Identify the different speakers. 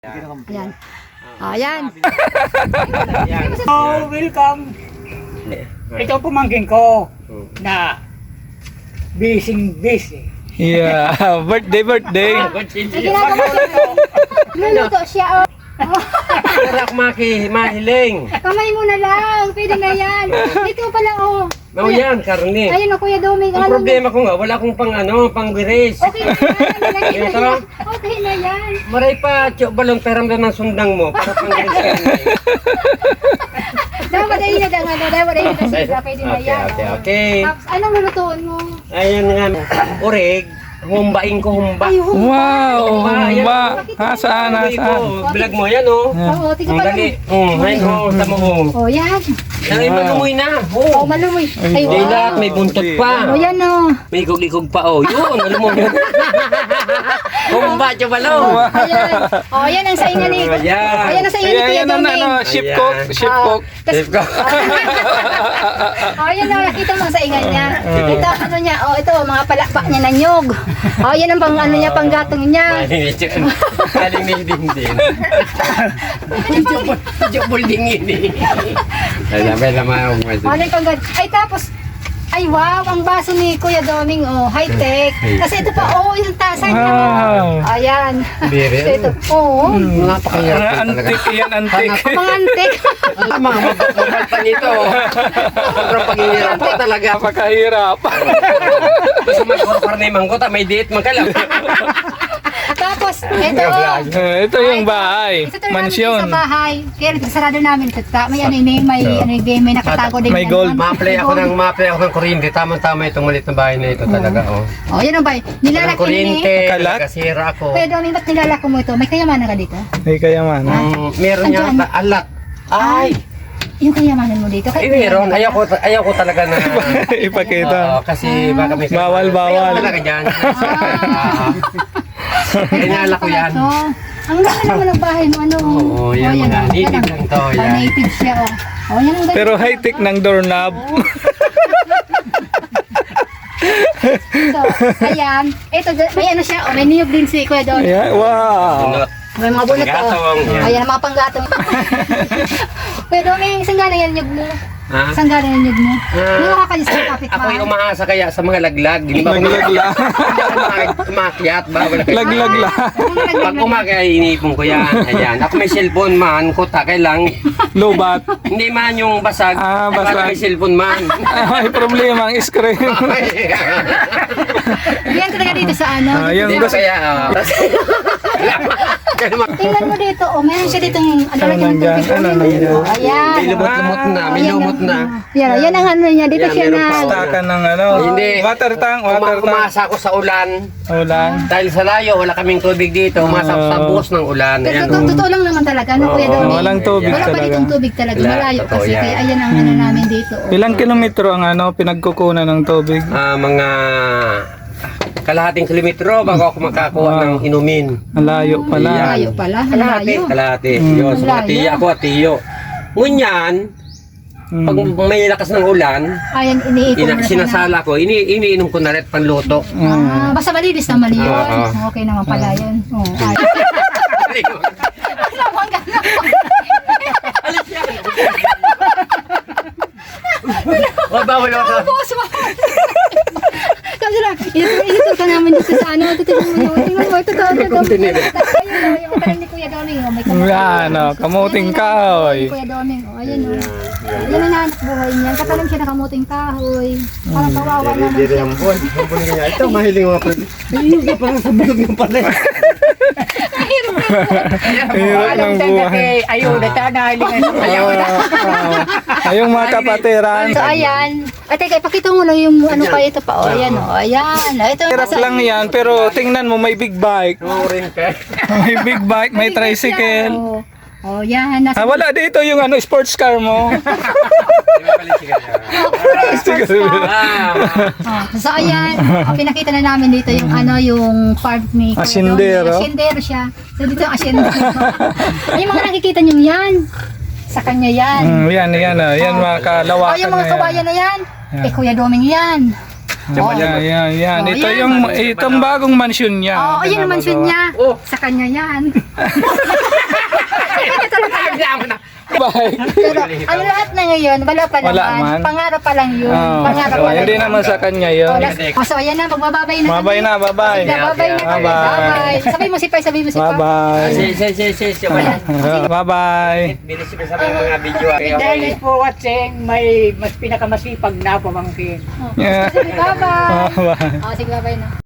Speaker 1: Ayan. Ayan.
Speaker 2: Oh, welcome. Ito pumangkin ko na busy.
Speaker 3: Yeah, birthday.
Speaker 1: Ay, ginagawa ko. Luluto siya.
Speaker 4: Wala akong mahiling.
Speaker 1: Kamay mo na lang. Pwede na yan. Dito pala, oh.
Speaker 4: Mau yan, karne.
Speaker 1: Ayun, Kuya Doming.
Speaker 4: Ang problema ko nga, wala akong pang-biris.
Speaker 1: Okay na yan. Nilagay na
Speaker 4: Ito?
Speaker 1: yan. Okay na yan.
Speaker 4: Maray pa, tiyok balong peram na ng sundang mo para pang-biris ka.
Speaker 1: Dapat ay na lang. Dapat ay na siya. Pwede na yan.
Speaker 4: Okay.
Speaker 1: Tapos, anong lulutuin mo?
Speaker 4: Ayan nga, urig. Humbain ko humba.
Speaker 1: Ay, humba.
Speaker 3: Wow, humba. Saan?
Speaker 4: Vlog mo yan, oh.
Speaker 1: Oo, tika
Speaker 4: Ang
Speaker 1: pa
Speaker 4: dali.
Speaker 1: lang.
Speaker 4: Ayun, oh, tama mo.
Speaker 1: Oh, yan.
Speaker 4: Ay, malumoy na.
Speaker 1: Oh,
Speaker 4: Oh.
Speaker 1: malumoy. Ay,
Speaker 4: Hindi
Speaker 1: wow.
Speaker 4: lahat, may buntot pa.
Speaker 1: Oh, yan, oh.
Speaker 4: May ikog-ikog pa, oh. Yun, malumoy. Humba, tiyo balong.
Speaker 1: Ayan. Oh, yan ang saingan ni.
Speaker 4: Ayan.
Speaker 1: Ayan ang saingan ni Kuya
Speaker 3: Ayan,
Speaker 1: Doming.
Speaker 3: ship cook, ship cook.
Speaker 4: Safe ka.
Speaker 1: Oh, yan lang nakita mo sa ingan niya. Ito ano niya, oh ito mga palakpak niya na nyog. Oh, yan ang pang ano niya, panggatong niya.
Speaker 4: Galing ni din. Medyo bulding ini. Ay, labay naman ako.
Speaker 1: Oh, ano yung ay tapos ay wow, ang baso ni Kuya Doming, oh, high tech. Kasi ito pa, oh, yung tasa niya.
Speaker 3: Wow.
Speaker 1: Ayan.
Speaker 4: Biri.
Speaker 1: So, ito, oh.
Speaker 4: Napakahirap po talaga.
Speaker 3: Antik yan, antik.
Speaker 1: Mga antik.
Speaker 4: Ang mga magpapagpag pa nito. Sobrang paghihirap po talaga.
Speaker 3: Napakahirap.
Speaker 4: Gusto mag-order na yung mangkota, may date magkalam.
Speaker 1: Tapos, ito.
Speaker 3: Ito yung bahay,
Speaker 1: Ito namin
Speaker 3: mansyon.
Speaker 1: sa bahay. Kaya sarado namin ito. May ano ini, may nakatago din.
Speaker 3: May
Speaker 1: ano,
Speaker 3: gold.
Speaker 4: Ma-apply ako ng kuryente. Tamang-tama itong maliit na bahay na ito talaga. Oh.
Speaker 1: Oh, yan ang bahay.
Speaker 4: Ng
Speaker 1: Nilalaki
Speaker 4: kuryente,
Speaker 1: ni.
Speaker 3: Kalat?
Speaker 4: kasira ako.
Speaker 1: Kuya Doming, ba't nilalako mo ito? May kayamanan ka dito?
Speaker 3: May kayamanan.
Speaker 4: Meron niya
Speaker 1: Andyan.
Speaker 4: alat. Ay!
Speaker 1: Yung kayamanan mo dito?
Speaker 4: Meron. Ayaw ko talaga na.
Speaker 3: Ipakita.
Speaker 4: Oo, kasi baka may
Speaker 3: Bawal, bawal.
Speaker 4: Ayaw talaga dyan. Kinala ko yan.
Speaker 1: Ito. Ang ganda naman ang bahay mo, ano?
Speaker 4: Oo, yan, mga
Speaker 1: oh,
Speaker 4: native
Speaker 1: yan,
Speaker 4: lang to,
Speaker 1: oh,
Speaker 4: yan.
Speaker 1: native siya, oh. Oh, yan ang ganda.
Speaker 3: Pero high-tech ng doorknob.
Speaker 1: So, ayan. Ito, may ano siya, oh, may niyog din si Kuya Don.
Speaker 3: Yeah, wow.
Speaker 1: May mga bunot,
Speaker 4: Panggatong,
Speaker 1: oh.
Speaker 4: yan.
Speaker 1: Ayan, mga panggatong. Kuya Don, may isang gana yan niyog mo.
Speaker 4: Ha?
Speaker 1: Isang gana yan niyog mo. Hindi mo kakalis sa kapit
Speaker 4: Ako'y umaasa kaya sa mga laglag. Hindi ba ako
Speaker 3: Naglaglag.
Speaker 4: umakyat ba?
Speaker 3: Laglag lang.
Speaker 4: Pag umakay, iniipon ko yan. Ayan. Ako may cellphone man, kutakay lang.
Speaker 3: Lobat.
Speaker 4: Hindi man yung basag.
Speaker 3: Basag.
Speaker 4: Para may cellphone man.
Speaker 3: May problema ang screen.
Speaker 1: Yan talaga dito sa ano.
Speaker 3: Yan
Speaker 4: Dito
Speaker 3: gusto.
Speaker 4: kaya.
Speaker 1: Tingnan mo dito, oh, meron siya ditong ano
Speaker 3: Ano
Speaker 1: lagyan ng
Speaker 3: nandyan?
Speaker 1: tubig.
Speaker 3: Ano nandyan?
Speaker 1: Oh, ayan.
Speaker 4: May lumot-lumot na. May
Speaker 1: Ayan,
Speaker 4: lumot na.
Speaker 1: Yan ang ano niya, dito
Speaker 4: Yan,
Speaker 1: siya
Speaker 4: meron
Speaker 1: na.
Speaker 4: pa, oh.
Speaker 3: Takan ng ano.
Speaker 4: Hindi.
Speaker 3: Water tank, water tank.
Speaker 4: Umasa ako sa ulan.
Speaker 3: Ulan.
Speaker 4: Dahil sa layo, wala kaming tubig dito. Umasa ako sa buhos ng ulan. Ayan.
Speaker 1: Pero totoo lang naman talaga, no, Kuya
Speaker 4: Oo,
Speaker 1: Doming?
Speaker 3: Walang tubig
Speaker 1: Wala pa
Speaker 3: talaga.
Speaker 1: ditong tubig talaga,
Speaker 4: Wala,
Speaker 1: malayo
Speaker 4: totoo
Speaker 1: kasi.
Speaker 4: yan.
Speaker 1: Kaya ayan ang ano namin dito. Oh.
Speaker 3: Ilang kilometro ang ano pinagkukunan ng tubig?
Speaker 4: Mga kalahating kilometro bago ako makakuha ng inumin.
Speaker 3: Ang layo pala.
Speaker 4: Ayan.
Speaker 1: Malayo pala,
Speaker 4: Kalahati.
Speaker 1: malayo.
Speaker 4: Kalahati. Yun, sa mga
Speaker 1: Malayo.
Speaker 4: tiya ako at tiyo. Ngunyan, pag may lakas ng ulan,
Speaker 1: Ayan, iniipon mo na siya na.
Speaker 4: sinasala ko, iniinom ko na rin panluto.
Speaker 1: Basta malinis naman yun.
Speaker 4: Oo.
Speaker 1: Okay naman pala yun. Oh, ay. Naman ganun.
Speaker 4: Bawal ako.
Speaker 1: Boss, kasi lang, ito ka namin dito sa ano, tingnan mo yun, tingnan mo, ito. Ayun, yung kain ni Kuya Doming, oh, may kamuting.
Speaker 3: Yan, oh, kamuting kahoy.
Speaker 1: Kuya Doming, oh, ayun, oh. Yan ang nahanap buhay niya, katalim siya na kamuting kahoy. Parang kawawa naman siya.
Speaker 4: Ito, mahiling mga pwede. Ayun, parang sa bulog ng pala.
Speaker 3: Hirap ng buhay.
Speaker 2: Ayun, nahilingan.
Speaker 3: Ayong mga kapatiran.
Speaker 1: So, ayan. At teka, ipakita mo lang yung ano pa ito pa, oh, ayan, oh, ayan. Ito,
Speaker 3: Hirap lang yan, pero tingnan mo may big bike. May big bike, may tricycle.
Speaker 1: Oh, yan. Nasa
Speaker 3: Wala dito yung ano sports car mo.
Speaker 1: So ayan, pinakita na namin dito yung ano yung farm ni Kuya
Speaker 3: Asyendero.
Speaker 1: Doming. Asyendero siya. So dito yung asyendero. Ay, yung mga nakikita niyo yan. Sa kanya yan.
Speaker 3: Yan, yan mga
Speaker 1: Oh,
Speaker 3: kalawakan
Speaker 1: yung mga
Speaker 3: na yan.
Speaker 1: kawayan na yan. Kuya Doming yan.
Speaker 3: Yan.
Speaker 1: Oh,
Speaker 3: Ito
Speaker 1: yan.
Speaker 3: itong bagong mansyon niya.
Speaker 1: Oh, ayun ang mansyon niya. Sa kanya yan.
Speaker 4: Kailangan na.
Speaker 3: Bike.
Speaker 1: Pero ang lahat na ngayon, wala pa
Speaker 3: Wala
Speaker 1: naman.
Speaker 3: man.
Speaker 1: Pangarap pa lang yun.
Speaker 3: Oh,
Speaker 1: Pangarap pa lang.
Speaker 3: hindi naman sa kanya yun.
Speaker 1: So ayan na, magbababay na.
Speaker 3: Mabay na, bye-bye.
Speaker 1: Sige, babay na kami.
Speaker 3: Bye-bye.
Speaker 1: Bye-bye. Sabi mo si Pai, sabi mo si Pai.
Speaker 3: Bye-bye.
Speaker 4: Si.
Speaker 3: Bye-bye.
Speaker 4: Bilis ko sa mga video.
Speaker 2: Dahil po watching, may mas pinakamasipag na pamangkin.
Speaker 1: Sige, bye-bye.
Speaker 3: Bye-bye.
Speaker 1: Sige, bye-bye na.